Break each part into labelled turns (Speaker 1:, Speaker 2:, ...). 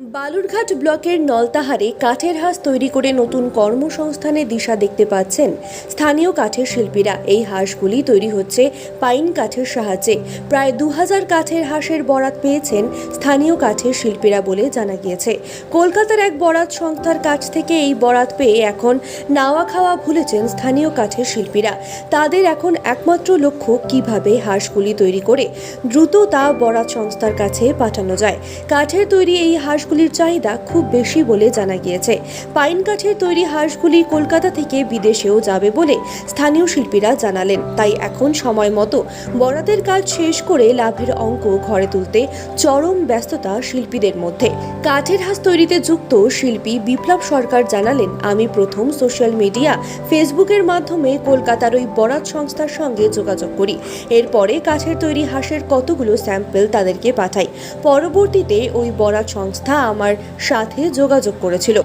Speaker 1: বালুরঘাট ব্লকের নলতাহারে কাঠের হাঁস তৈরি করে নতুন কর্মসংস্থানের দিশা দেখতে পাচ্ছেন স্থানীয় কাঠের শিল্পীরা। এই হাঁসগুলি তৈরি হচ্ছে পাইন কাঠের সাহায্যে। প্রায় 2000 কাঠের হাঁসের বরাত পেয়েছেন স্থানীয় কাঠের শিল্পীরা বলে জানা গিয়েছে। কলকাতার এক বরাত সংস্থার কাছ থেকে এই বরাত পেয়ে এখন নাওয়া খাওয়া ভুলেছেন স্থানীয় কাঠের শিল্পীরা। তাদের এখন একমাত্র লক্ষ্য কিভাবে হাঁসগুলি তৈরি করে দ্রুত তা বরাত সংস্থার কাছে পাঠানো যায়। কাঠের তৈরি এই হাঁসগুলির চাহিদা খুব বেশি বলে জানা গিয়েছে। পাইন কাঠের তৈরি হাঁসগুলি কলকাতা থেকে বিদেশেও যাবে বলে স্থানীয় শিল্পীরা জানালেন। তাই এখন সময় মতো বরাতের কাজ শেষ করে লাভের অঙ্ক ঘরে তুলতে চরম ব্যস্ততা শিল্পীদের মধ্যে। কাঠের হাঁস তৈরিতে যুক্ত শিল্পী বিপ্লব সরকার জানালেন, আমি প্রথম সোশ্যাল মিডিয়া ফেসবুকের মাধ্যমে কলকাতার ওই বরাত সংস্থার সঙ্গে যোগাযোগ করি। এরপরে কাঠের তৈরি হাঁসের কতগুলো স্যাম্পল তাদেরকে পাঠাই। পরবর্তীতে ওই বরাত সংস্থা আমার সাথে যোগাযোগ করেছিল।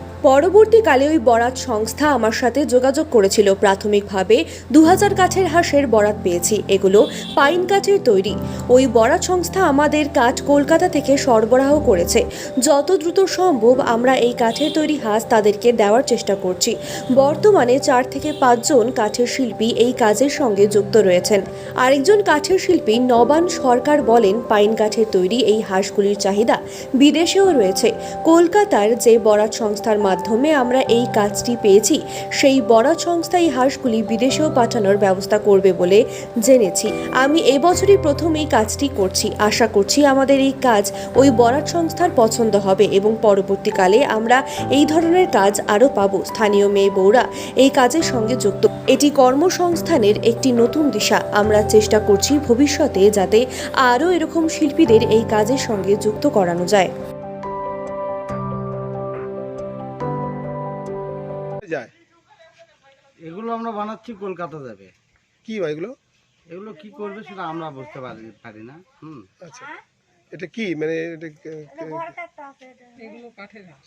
Speaker 1: প্রাথমিকভাবে 2000 কাঠের হাঁসের বরাত পেয়েছি। এগুলো পাইন কাঠের তৈরি। ওই বরাত সংস্থা আমাদের কাঠ কলকাতা থেকে সরবরাহ করেছে। যত দ্রুত সম্ভব আমরা এই কাঠের তৈরি হাঁস তাদেরকে দেওয়ার চেষ্টা করছি। বর্তমানে 4 থেকে 5 জন কাঠের শিল্পী এই কাজের সঙ্গে যুক্ত রয়েছেন। আরেকজন কাঠের শিল্পী নবান সরকার বলেন, পাইন কাঠের তৈরি এই হাঁসগুলির চাহিদা বিদেশেও রয়েছে। কলকাতার যে বরাত সংস্থার মাধ্যমে আমরা এই কাজটি পেয়েছি, সেই বরাত সংস্থা এই হাঁসগুলি বিদেশেও পাঠানোর ব্যবস্থা করবে বলে জেনেছি। আমি এবছরই প্রথম এই কাজটি করছি। আশা করছি আমাদের এই কাজ ওই বরাত সংস্থার পছন্দ হবে এবং পরবর্তীকালে আমরা এই ধরনের কাজ আরও পাবো। স্থানীয় মেয়ে বউরা এই কাজের সঙ্গে যুক্ত। এটি কর্মসংস্থানের একটি নতুন দিশা। আমরা চেষ্টা করছি ভবিষ্যতে যাতে আরও এরকম শিল্পীদের এই কাজের সঙ্গে যুক্ত করানো যায়।
Speaker 2: এগুলো আমরা বানাচ্ছি, কলকাতা যাবে।
Speaker 3: কি ভাই এগুলো?
Speaker 2: এগুলো কি করবে সেটা আমরা বুঝতে পারি না।
Speaker 3: আচ্ছা, এটা কি মানে
Speaker 4: এগুলো কাঠের হাঁস।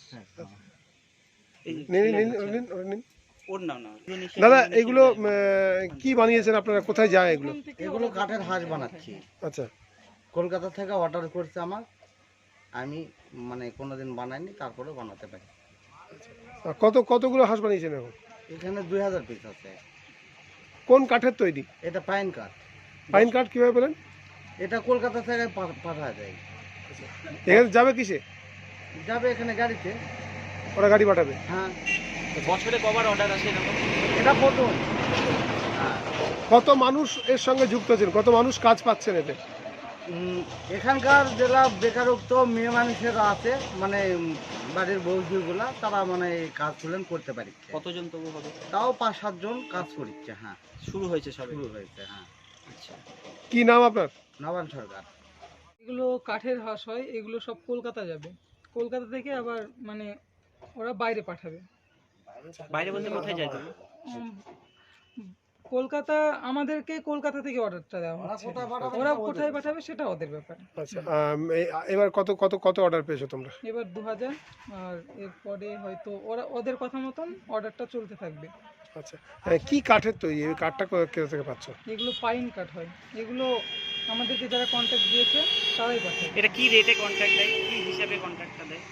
Speaker 3: দাদা এগুলো কি বানিয়েছেন আপনারা? কোথায় যায় এগুলো?
Speaker 2: এগুলো কাঠের হাঁস বানাচ্ছি।
Speaker 3: আচ্ছা,
Speaker 2: কলকাতা থেকে অর্ডার করছে আমার, আমি মানে কোনোদিন বানাইনি, তারপরে বানাতে পারি।
Speaker 3: কতগুলো হাঁস বানিয়েছেন এখন?
Speaker 2: এখানে 2000 পিস আছে।
Speaker 3: কোন কাঠের তৈরি?
Speaker 2: এটা পাইন কাঠ।
Speaker 3: পাইন কাঠ কিভাবে পেলেন?
Speaker 2: এটা কলকাতা থেকে পাঠায় যায়।
Speaker 3: এখানে যাবে কিসে?
Speaker 2: যাবে এখানে গাড়িতে।
Speaker 3: ওরা গাড়ি পাঠাবে?
Speaker 2: হ্যাঁ।
Speaker 5: বছরে কবার অর্ডার আসে এরকম?
Speaker 2: এটা প্রথম।
Speaker 3: কত মানুষ এর সঙ্গে যুক্ত আছেন? কত মানুষ কাজ পাচ্ছেন এতে?
Speaker 2: এখানকার জেলা বেকারত্ব মেয়ে মানুষেরা আছে, মানে বাড়ির বৌদিগুলা, তারা মানে এই কাজ তুলেন করতে পারি।
Speaker 5: কতজন তবু হবে?
Speaker 2: তাও 5-7 জন কাজ করছে। হ্যাঁ,
Speaker 5: শুরু হয়েছে সবে?
Speaker 2: শুরু হয়েছে। হ্যাঁ।
Speaker 5: আচ্ছা,
Speaker 3: কি নাম আপনার?
Speaker 2: নবান সরকার।
Speaker 4: এগুলো কাঠের হাঁস হয়, এগুলো সব কলকাতা যাবে। কলকাতা থেকে আবার মানে ওরা বাইরে পাঠাবে।
Speaker 5: বাইরে বলতে কোথায় যায় তুমি?
Speaker 4: কলকাতা, আমাদেরকে কলকাতা থেকে অর্ডারটা দেওয়া হচ্ছে। ওরা কোথায় পাঠাবে সেটা ওদের ব্যাপার।
Speaker 3: আচ্ছা, এবার কত কত কত অর্ডার পেয়েছো তোমরা?
Speaker 4: এবার 2000, আর এরপরে হয়তো ওদের কথা মতন অর্ডারটা চলতে থাকবে।
Speaker 3: আচ্ছা, কি কাঠের তৈরি? এই কাঠটা কোথা থেকে পাচ্ছ?
Speaker 4: এগুলো পাইন কাঠ হয়। এগুলো আমাদেরকে যারা কন্ট্যাক্ট দিয়েছে তারাই পাঠায়।
Speaker 5: এটা কি রেটে কন্ট্রাক্ট দেয়? কি হিসাবে কন্ট্রাক্টটা দেয়?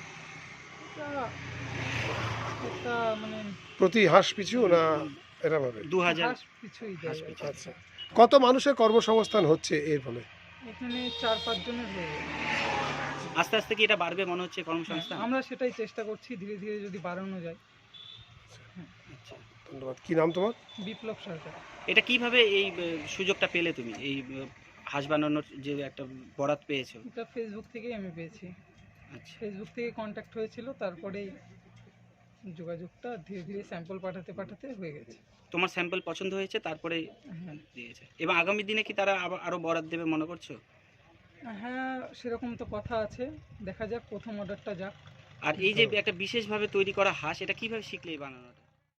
Speaker 4: এটা মানে
Speaker 3: প্রতি হাঁস পিছু না এরকমভাবে?
Speaker 5: 2000
Speaker 4: হাঁস পিছুই দেয়।
Speaker 3: আচ্ছা, কত মানুষের কর্মসংস্থান হচ্ছে এর ফলে?
Speaker 4: এখানে 4-5 জনের হয়ে যাবে।
Speaker 5: আস্তে আস্তে কি এটা বাড়বে মনে হচ্ছে কর্মসংস্থান?
Speaker 4: আমরা সেটাই চেষ্টা করছি, ধীরে ধীরে যদি বাড়ানো যায়।
Speaker 5: আচ্ছা,
Speaker 3: ধন্যবাদ। কি নাম তোমার?
Speaker 4: বিপ্লব সরকার।
Speaker 5: এটা কিভাবে এই সুযোগটা পেলে তুমি? এই হাঁস বানানোর যে একটা বরাত পেয়েছো?
Speaker 4: এটা ফেসবুক থেকেই আমি পেয়েছি।
Speaker 5: আচ্ছা,
Speaker 4: ফেসবুক থেকে কন্ট্যাক্ট হয়েছিল, তারপরেই যোগাযোগটা ধীরে ধীরে স্যাম্পল পাঠাতে পাঠাতে হয়ে গেছে।
Speaker 5: তোমার স্যাম্পল পছন্দ হয়েছে তারপরে
Speaker 4: হ্যাঁ,
Speaker 5: দিয়েছে। এবং আগামী দিনে কি তারা আরো বরাত দেবে মনে করছো?
Speaker 4: হ্যাঁ, সেরকম তো কথা আছে। দেখা যাক, প্রথম অর্ডারটা যাক।
Speaker 5: আর এই যে একটা বিশেষভাবে তৈরি করা হাঁস, এটা কিভাবে শিখলে এই বানানোটা?